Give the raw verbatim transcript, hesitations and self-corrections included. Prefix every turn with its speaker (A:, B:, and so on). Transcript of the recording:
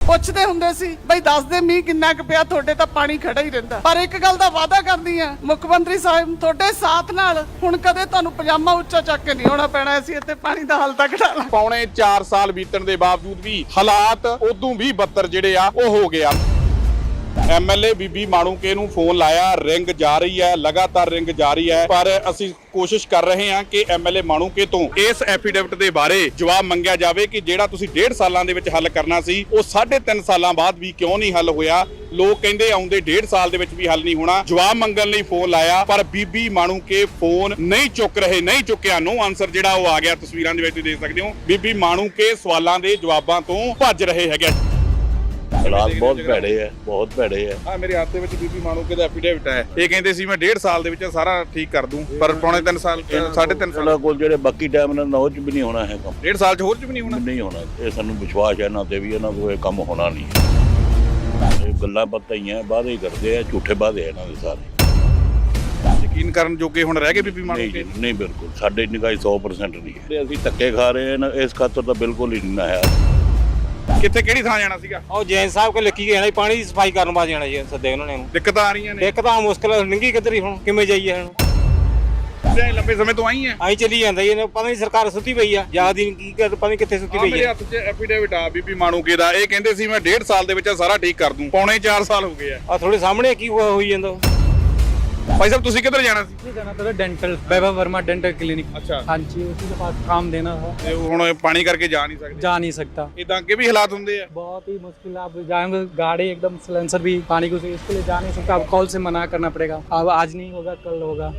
A: ਪੁੱਛਦੇ ਹੁੰਦੇ ਸੀ ਬਈ ਦੱਸ ਦੇ ਮੀਂਹ ਕਿੰਨਾ ਕੁ ਪਿਆ, ਤੁਹਾਡੇ ਤਾਂ ਪਾਣੀ ਖੜਾ ਹੀ ਰਹਿੰਦਾ। ਪਰ ਇੱਕ ਗੱਲ ਦਾ ਵਾਅਦਾ ਕਰਦੀ ਆ ਮੁੱਖ ਮੰਤਰੀ ਸਾਹਿਬ, ਤੁਹਾਡੇ ਸਾਥ ਨਾਲ ਹੁਣ ਕਦੇ ਤੁਹਾਨੂੰ ਪਜਾਮਾ ਉੱਚਾ ਚੱਕ ਕੇ ਨਹੀਂ ਆਉਣਾ ਪੈਣਾ, ਅਸੀਂ ਇੱਥੇ ਪਾਣੀ ਦਾ ਹੱਲ ਤੱਕ ਢਾਲਾਂ।
B: ਪੌਣੇ ਚਾਰ ਸਾਲ ਬੀਤਣ ਦੇ ਬਾਵਜੂਦ ਵੀ ਹਾਲਾਤ ਉਦੋਂ ਵੀ ਬੱਤਰ ਜਿਹੜੇ ਆ ਉਹ ਹੋ ਗਿਆ। ਐਮਐਲਏ ਬੀਬੀ ਮਾਣੂਕੇ ਨੂੰ ਫੋਨ ਲਾਇਆ, ਰਿੰਗ ਜਾ ਰਹੀ ਹੈ, ਲਗਾਤਾਰ ਰਿੰਗ ਜਾ ਰਹੀ ਹੈ, ਪਰ ਅਸੀਂ ਕੋਸ਼ਿਸ਼ ਕਰ ਰਹੇ ਹਾਂ ਕਿ ਐਮਐਲਏ ਮਾਣੂਕੇ ਤੋਂ ਇਸ ਐਫੀਡੇਵਿਟ ਦੇ ਬਾਰੇ ਜਵਾਬ ਮੰਗਿਆ ਜਾਵੇ ਕਿ ਜਿਹੜਾ ਤੁਸੀਂ ਡੇਢ ਸਾਲਾਂ ਦੇ ਵਿੱਚ ਹੱਲ ਕਰਨਾ ਸੀ ਉਹ ਸਾਢੇ ਤਿੰਨ ਸਾਲਾਂ ਬਾਅਦ ਵੀ ਕਿਉਂ ਨਹੀਂ ਹੱਲ ਹੋਇਆ। ਲੋਕ ਕਹਿੰਦੇ ਆਉਂਦੇ ਡੇਢ ਸਾਲ ਦੇ ਵਿੱਚ ਵੀ ਹੱਲ ਨਹੀਂ ਹੋਣਾ। ਜਵਾਬ ਮੰਗਣ ਲਈ ਫੋਨ ਲਾਇਆ ਪਰ ਬੀਬੀ ਮਾਣੂਕੇ ਫੋਨ ਨਹੀਂ ਚੁੱਕ ਰਹੇ, ਨਹੀਂ ਚੁੱਕਿਆ। ਨੋ ਆਨਸਰ ਜਿਹੜਾ ਉਹ ਆ ਗਿਆ। ਤਸਵੀਰਾਂ ਦੇ ਵਿੱਚ ਤੁਸੀਂ ਦੇਖ ਸਕਦੇ ਹੋ ਬੀਬੀ ਮਾਣੂਕੇ ਸਵਾਲਾਂ ਦੇ ਜਵਾਬਾਂ ਤੋਂ ਭੱਜ ਰਹੇ ਹੈਗੇ।
C: ਹਾਲਾਤ ਬਹੁਤ ਭੈੜੇ ਹੈ, ਬਹੁਤ ਭੈੜੇ ਹੈ।
B: ਆ ਮੇਰੇ ਹੱਥ ਦੇ ਵਿੱਚ ਬੀਬੀ ਮਾਣੂਕੇ ਦਾ ਐਫੀਡੇਵਿਟ ਹੈ। ਇਹ ਕਹਿੰਦੇ ਸੀ ਮੈਂ ਡੇਢ ਸਾਲ ਦੇ ਵਿੱਚ ਸਾਰਾ ਠੀਕ ਕਰ ਦੂੰ, ਪਰ ਪੌਣੇ ਤਿੰਨ ਸਾਲ ਸਾਢੇ ਤਿੰਨ ਸਾਲ
C: ਕੋਲ ਜਿਹੜੇ ਬਾਕੀ ਟਾਈਮ ਨਾਲ ਉਹ ਚ ਵੀ ਨਹੀਂ ਹੋਣਾ ਹੈ ਕੰਮ।
B: ਡੇਢ ਸਾਲ ਚ ਹੋਰ ਚ ਵੀ ਨਹੀਂ ਹੋਣਾ
C: ਨਹੀਂ ਹੋਣਾ। ਇਹ ਸਾਨੂੰ ਵਿਸ਼ਵਾਸ ਹੈ ਇਹਨਾਂ ਤੇ ਵੀ ਇਹਨਾਂ ਕੋਲ ਇਹ ਕੰਮ ਹੋਣਾ ਨਹੀਂ। ਇਹ ਗੱਲਾਂ ਬਾਤਾਂ ਹੀ ਆ, ਵਾਅਦੇ ਹੀ ਕਰਦੇ ਆ, ਝੂਠੇ ਵਾਅਦੇ ਇਹਨਾਂ ਦੇ ਸਾਰੇ।
B: ਯਕੀਨ ਕਰਨ ਜੋਗੇ ਹੁਣ ਰਹਿ ਗਏ ਬੀਬੀ
C: ਨਹੀਂ
B: ਮਾਣੂਕੇ?
C: ਜੀ, ਨਹੀਂ ਬਿਲਕੁਲ। ਸਾਡੇ ਨਿਗਾਹ ਸੌ ਪਰਸੈਂਟ ਨਹੀਂ ਹੈ। ਅਸੀਂ ਧੱਕੇ ਖਾ ਰਹੇ ਹਾਂ, ਇਸ ਖਾਤਰ ਤਾਂ ਬਿਲਕੁਲ ਹੀ ਨਹੀਂ ਹੈ।
B: ਕਿੱਥੇ ਕਿਹੜੀ ਥਾਂ ਜਾਣਾ ਸੀਗਾ?
D: ਉਹ ਜੈਨ ਸਾਹਿਬ ਕੋਲ ਲਿਖੀ ਗਿਆ ਪਾਣੀ ਦੀ ਸਫਾਈ ਕਰਨ ਵਾਸਤੇ ਜਾਣਾ ਜੀ। ਸੱਦੇ ਉਹਨਾਂ ਨੇ
B: ਦਿੱਕਤਾਂ ਆ ਰਹੀਆਂ ਨੇ।
D: ਇੱਕ ਤਾਂ ਮੁਸ਼ਕਲ ਨਿੰਗੀ ਕਿੱਧਰੀ, ਹੁਣ ਕਿਵੇਂ ਜਾਈਏ? ਹੁਣ
B: ਤੇ ਲੰਬੇ ਸਮੇਂ ਤੋਂ ਆਈ ਹੈ,
D: ਆਈ ਚੱਲੀ ਜਾਂਦਾ ਜੀ। ਪਤਾ ਨਹੀਂ ਸਰਕਾਰ ਸੁੱਤੀ ਪਈ ਆ, ਯਾਦ ਹੀ ਕੀ ਕਰ, ਪਤਾ ਨਹੀਂ ਕਿੱਥੇ ਸੁੱਤੀ
B: ਆ
D: ਪਈ
B: ਮੇਰੇ
D: ਆ।
B: ਹੱਥ 'ਚ ਐਫੀਡੇਵਿਟ ਆ ਬੀਬੀ ਮਾਣੂਕੇ ਦਾ। ਇਹ ਕਹਿੰਦੇ ਸੀ ਮੈਂ ਡੇਢ ਸਾਲ ਦੇ ਵਿੱਚ ਸਾਰਾ ਠੀਕ ਕਰ ਦੂੰ, ਪੌਣੇ ਚਾਰ ਸਾਲ ਹੋ ਗਏ ਆ।
D: ਆ ਥੋੜੇ ਸਾਹਮਣੇ ਕੀ ਹੋਈ ਜਾਂਦਾ।
B: ਭਾਈ ਸਾਹਿਬ ਤੁਸੀਂ ਕਿੱਧਰ ਜਾਣਾ ਸੀ?
E: जाना था dental Vaibhav Verma dental clinic.
B: अच्छा।
E: हाँ जी, उसी के पास काम देना था।
B: ਤੇ ਹੁਣ ਪਾਣੀ ਕਰਕੇ ਜਾ ਨਹੀਂ ਸਕਦੇ?
E: जा नहीं सकता,
B: ਇਦਾਂ ਅੱਗੇ ਵੀ ਹਾਲਾਤ ਹੁੰਦੇ ਆ।
E: बहुत ही मुश्किल है। आप जाएंगे गाड़ी एकदम सिलेंसर भी पानी को, इसके लिए जा नहीं सकता। अब कॉल से मना करना पड़ेगा। अब आज नहीं होगा कल होगा।